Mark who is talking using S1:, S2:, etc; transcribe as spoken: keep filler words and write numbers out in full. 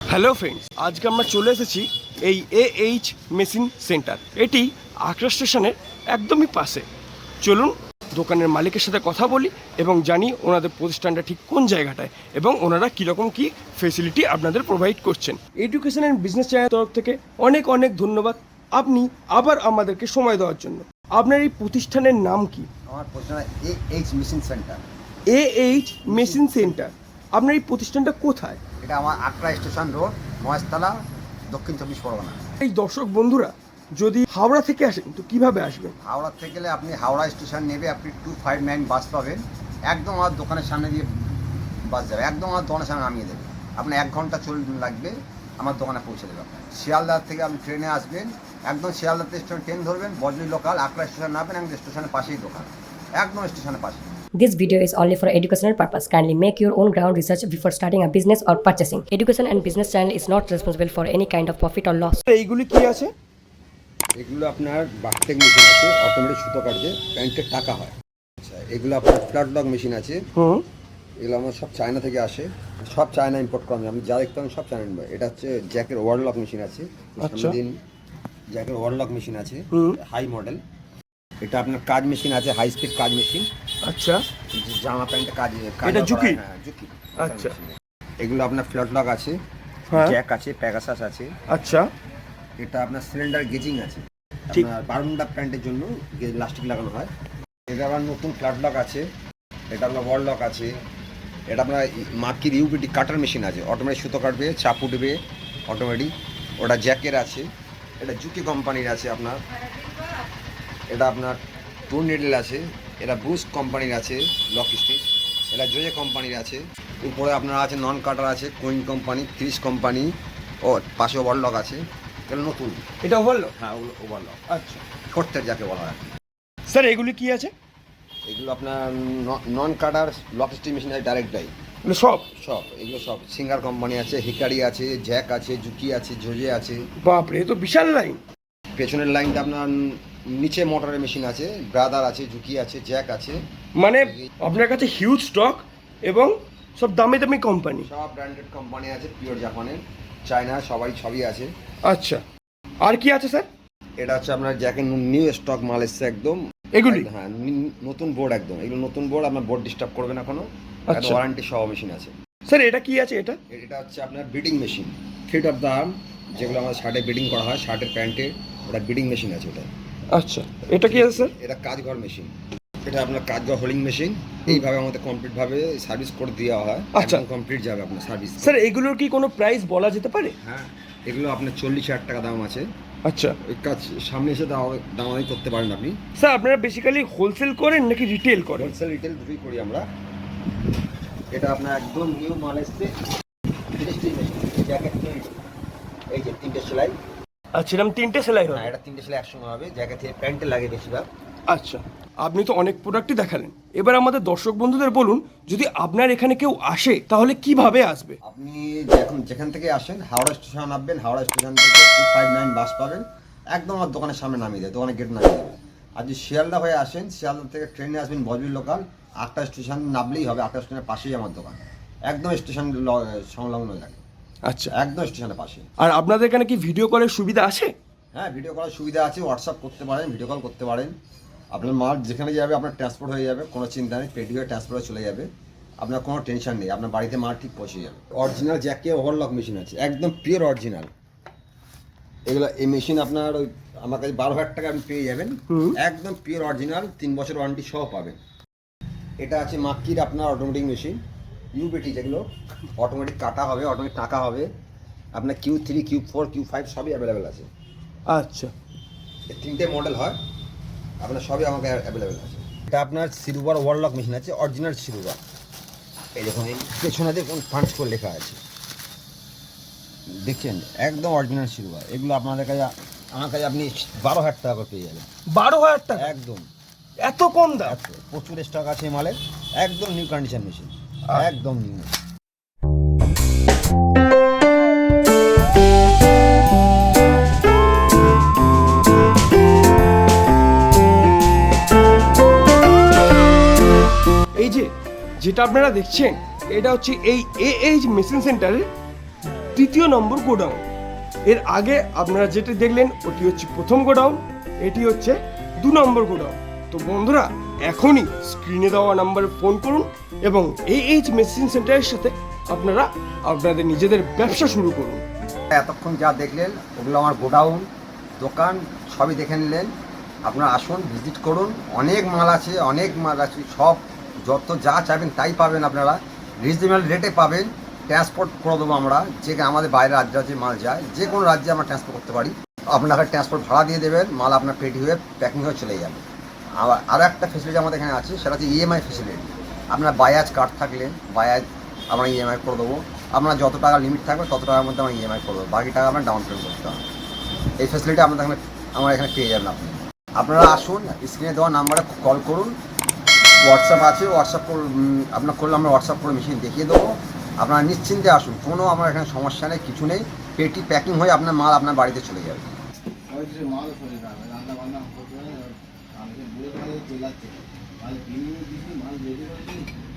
S1: Hello friends, আজকে আমরা চলে এসেছি এই এ এইচ মেশিন সেন্টার। এটি আগ্রা স্টেশনের একদমই পাশে। চলুন দোকানের মালিকের সাথে কথা বলি এবং জানি ওনাদের প্রতিষ্ঠানটা ঠিক কোন জায়গাটায় এবং ওনারা কীরকম কী ফেসিলিটি আপনাদের প্রোভাইড করছেন। এডুকেশন অ্যান্ড বিজনেস চ্যানেলের তরফ থেকে অনেক অনেক ধন্যবাদ আপনি আবার আমাদেরকে সময় দেওয়ার জন্য। আপনার এই প্রতিষ্ঠানের নাম কি?
S2: আমার প্রতিষ্ঠান A H machine centre.
S1: A H machine centre. আপনার এই প্রতিষ্ঠানটা কোথায়?
S2: এটা আমার আগ্রা স্টেশন রোড, মহেশতলা, দক্ষিণ চব্বিশ পরগনা।
S1: এই দর্শক বন্ধুরা যদি হাওড়া থেকে আসেন তো কিভাবে আসবেন?
S2: হাওড়া থেকে গেলে আপনি হাওড়া স্টেশন নেবে, আপনি টু ফাইভ নাইন বাস পাবেন, একদম আমার দোকানের সামনে দিয়ে বাস যাবে, একদম আমার দোকানের সামনে নামিয়ে দেবে। আপনার এক ঘন্টা চল লাগবে আমার দোকানে পৌঁছে দেবে। আপনার শিয়ালদার থেকে আপনি ট্রেনে আসবেন, একদম শিয়ালদার স্টেশন ট্রেন ধরবেন, বজলি লোকাল আগ্রা স্টেশন নামবেন, একদম স্টেশনের পাশেই দোকান, একদম স্টেশনের পাশে।
S3: This video is only for educational purpose. Kindly make your own ground research before starting a business or purchasing. Education and Business Channel is not responsible for any kind of profit or loss.
S1: এইগুলি কি আছে?
S2: এগুলো আপনার বাস্টেক machine আছে, automatic সুতো কাটবে, প্যান্টের টাকা হয়। আচ্ছা, এগুলো আপনার ফ্ল্যাট লক মেশিন আছে।
S1: হুম,
S2: এগুলো আমার সব চায়না থেকে আসে, সব চায়না ইম্পোর্ট করা। আমি যা দেখতে পাবেন সব চায়না ইম্পোর্ট। এটা হচ্ছে জ্যাকের ওয়ার্ড লক মেশিন আছে।
S1: আচ্ছা।
S2: দিন জ্যাকের ওয়ার্ড লক মেশিন আছে,
S1: হুম।
S2: High model. এটা আপনার কাজ মেশিন আছে, হাই স্পিড কাজ মেশিন।
S1: আচ্ছা,
S2: জামা প্যান্টে কাজ।
S1: এটা ঝুঁকি?
S2: হ্যাঁ, ঝুঁকি।
S1: আচ্ছা।
S2: এগুলো আপনার ফ্ল্যাট লক আছে,
S1: হ্যাঁ,
S2: জ্যাক আছে, প্যাগাসাস আছে।
S1: আচ্ছা,
S2: এটা আপনার সিলিন্ডার গেজিং আছে,
S1: ঠিক।
S2: আপনার বারমুডা প্যান্টের জন্য লাস্টিক লাগানো হয়। এটা আবার নতুন ফ্ল্যাট লক আছে, এটা আপনার ওয়াল লক আছে। এটা আপনার মাকির ইউবিটি কাটার মেশিন আছে, অটোমেটিক সুতো কাটবে, চাপ উঠবে অটোমেটিক। ওটা জ্যাকের আছে। এটা জুকি কোম্পানির আছে আপনার। এটা আপনার টুর্নেডেল আছে। এটা বুস্ট কোম্পানির আছে, লক স্টিচ। এটা জোজে কোম্পানির আছে। উপরে আপনার আছে নন কাটার আছে, কুইন কোম্পানি, ক্রিস কোম্পানি। ও পাশে ওভারলক আছে। এটা নতুন।
S1: এটা হলো।
S2: হ্যাঁ, ওগুলো ওভারলক,
S1: আচ্ছা
S2: ফোর্থের যাকে বলা হয়।
S1: স্যার, এগুলি কি আছে?
S2: এগুলো আপনার non cutter lock stitch machine আছে, ডাইরেক্ট ডাই
S1: এগুলো সব?
S2: সব। এগুলো সব সিঙ্গার কোম্পানি আছে, হিকারি আছে, জ্যাক আছে, জুকি আছে, জোজে আছে।
S1: বাপরে, এ তো বিশাল লাইন।
S2: পেছনের লাইনটা আপনার নিচে মোটরের মেশিন আছে, ব্রাদার আছে, জুকি আছে, জ্যাক আছে।
S1: মানে আপনার কাছে হিউজ স্টক এবং সব দামি দামি কোম্পানি।
S2: সব ব্র্যান্ডেড কোম্পানি আছে, পিওর জাপানের, চায়না, সবাই সবই আছে।
S1: আচ্ছা, আর কি আছে স্যার?
S2: এটা হচ্ছে আপনার জ্যাকের নিউ স্টক মাল এসছে একদম।
S1: এগুলি?
S2: হ্যাঁ, নি- নতুন বোর্ড একদম। এগুলো নতুন বোর্ড, আপনার বোর্ড ডিস্টার্ব করবে না কোনো।
S1: আচ্ছা।
S2: ওয়ারেন্টি সহ মেশিন আছে।
S1: স্যার, এটা কি আছে? এটা
S2: এটা হচ্ছে আপনার beading machine, feed off the arm, যেগুলো আমাদের শার্টে বিডিং করা হয়, শার্টের প্যান্টে। ওটা বিডিং মেশিন আছে ওটা।
S1: আচ্ছা, এটা কি আছে স্যার?
S2: এটা কাজঘর মেশিন। এটা আপনার কাজঘর হোলিং মেশিন। এইভাবে আমাদের কমপ্লিটভাবে সার্ভিস করে দেওয়া হয়।
S1: আচ্ছা।
S2: একদম কমপ্লিট যাবে আপনার সার্ভিস।
S1: স্যার, এগুলোর কি কোনো প্রাইস বলা যেতে পারে?
S2: হ্যাঁ, এগুলো আপনার চল্লিশ হাজার টাকা দাম আছে।
S1: আচ্ছা
S2: ওই কাজ সামনে এসে দাম- দামাদামি করতে পারেন আপনি।
S1: স্যার, আপনারা বেসিক্যালি হোলসেল করেন নাকি রিটেল করেন?
S2: হোলসেল রিটেল দুটোই করি আমরা। এটা আপনার একদম নিউ মাল এসছে, ফিনিশিং মেশিন, জ্যাকেট তৈরি। এই যে তিনটে সেলাই।
S1: আচ্ছা, এরকম তিনটে সেলাই
S2: হ্যাঁ,
S1: হয়?
S2: এটা তিনটে সেলাই একসঙ্গে হবে। জ্যাকেট থেকে প্যান্টে লাগে বেশিরভাগ।
S1: আচ্ছা, আপনি তো অনেক প্রোডাক্টই দেখালেন। এবার আমাদের দর্শক বন্ধুদের বলুন, যদি আপনার এখানে কেউ আসে তাহলে কিভাবে আসবে?
S2: আপনি যখন যেখান থেকে আসেন, হাওড়া স্টেশন নামবেন, হাওড়া স্টেশন থেকে টু ফাইভ নাইন বাস পাবেন, একদম আমার দোকানের সামনে নামিয়ে দেয়, দোকানের গেট নামিয়ে দেবে। আর যদি শিয়ালদা হয়ে আসেন, শিয়ালদা থেকে ট্রেনে আসবেন বজবি লোকাল, আটটা স্টেশন নামলেই হবে। আটটা স্টেশনের পাশেই আমার দোকান, একদম স্টেশন সংলগ্ন লাগে,
S1: আচ্ছা,
S2: একদম স্টেশনের পাশে।
S1: আর আপনাদের এখানে কি ভিডিও কলের সুবিধা আছে?
S2: হ্যাঁ, ভিডিও করার সুবিধা আছে, হোয়াটসঅ্যাপ করতে পারেন, ভিডিও কল করতে পারেন। আপনার মাল যেখানে যাবে আপনার ট্রান্সপোর্ট হয়ে যাবে, কোনো চিন্তা নেই, পেটি হয়ে ট্রান্সপোর্ট হয়ে চলে যাবে, আপনার কোনো টেনশন নেই, আপনার বাড়িতে মাল ঠিক পৌঁছে যাবে। অরিজিনাল জ্যাকে ওভারলক মেশিন আছে, একদম পিওর অরিজিনাল। এগুলো এই মেশিন আপনার ওই আমার কাছে বারো হাজার টাকা আপনি পেয়ে যাবেন, একদম পিওর অরিজিনাল, তিন বছর ওয়ারেন্টি সহ পাবেন। এটা আছে মাক্কির আপনার অটোমেটিক মেশিন, ইউবিটি, যেগুলো অটোমেটিক কাটা হবে, অটোমেটিক টাকা হবে। আপনার Q three, Q four, Q five সবই অ্যাভেলেবেল আছে।
S1: আচ্ছা,
S2: এই তিনটে মডেল হয়, আপনার সবই আমাকে অ্যাভেলেবেল আছে। এটা আপনার সিলভার ওয়ারলক মেশিন আছে, অরিজিনাল সিলভার। এই দেখুন, এই পেছনে দেখুন পাঁচ করে লেখা আছে, দেখছেন, একদম অরিজিনাল সিলভার। এগুলো আপনাদের কাছে, আমার কাছে আপনি বারো হাজার টাকা করে পেয়ে যাবেন।
S1: বারো হাজার টাকা?
S2: একদম
S1: এত কম দাম?
S2: এত প্রচুর স্টক আছে এই মালের, একদম নিউ কন্ডিশন মেশিন, একদম নিউ। এই যে যেটা আপনারা দেখছেন, এটা হচ্ছে এই এ এইচ মেশিন সেন্টারের
S1: তৃতীয় নম্বর গোডাউন। এর আগে আপনারা যেটা দেখলেন ওটি হচ্ছে প্রথম গোডাউন, এটি হচ্ছে দু নম্বর গোডাউন। তো বন্ধুরা, এখনই স্ক্রিনে দেওয়া নাম্বারে ফোন করুন এবং এই এইচ মেশিন সেন্টারের সাথে আপনারা আপনাদের নিজেদের ব্যবসা শুরু করুন।
S2: এতক্ষণ যা দেখলেন ওগুলো আমার গোডাউন, দোকান সবই দেখে নিলেন। আপনারা আসুন, ভিজিট করুন। অনেক মাল আছে, অনেক মাল আছে, সব যত যা চাইবেন তাই পাবেন। আপনারা রিজনেবল রেটে পাবেন। ট্রান্সপোর্ট করে দেবো আমরা, যে আমাদের বাইরের রাজ্যে রাজ্যে মাল যায়, যে কোনো রাজ্যে আমরা ট্রান্সপোর্ট করতে পারি। আপনাকে ট্রান্সপোর্ট ভাড়া দিয়ে দেবেন, মাল আপনার পেটি হয়ে প্যাকিং হয়ে চলে যাবে। আবার আরও একটা ফেসিলিটি আমাদের এখানে আছে, সেটা হচ্ছে ইএমআই ফেসিলিটি। আপনার বায়াজ কার্ড থাকলে বায়াজ আমরা ইএমআই করে দেবো। আপনার যত টাকা লিমিট থাকবে তত টাকার মধ্যে আমরা ইএমআই করে দেবো, বাকি টাকা আপনার ডাউন পেমেন্ট করতে হবে। এই ফেসিলিটি আপনাদের এখানে আমার এখানে পেয়ে যাবেন। আপনি আপনারা আসুন, স্ক্রিনে দেওয়া নাম্বারে কল করুন। হোয়াটসঅ্যাপ আছে, হোয়াটসঅ্যাপ আপনার করলে আমরা হোয়াটসঅ্যাপ করে মেশিন দেখিয়ে দেবো। আপনারা নিশ্চিন্তে আসুন, কোনো আমার এখানে সমস্যা নেই, কিছু নেই। পেটি প্যাকিং হয়ে আপনার মাল আপনার বাড়িতে চলে যাবে।
S4: মাল রান্না বান্না করতে মাল রেডি করে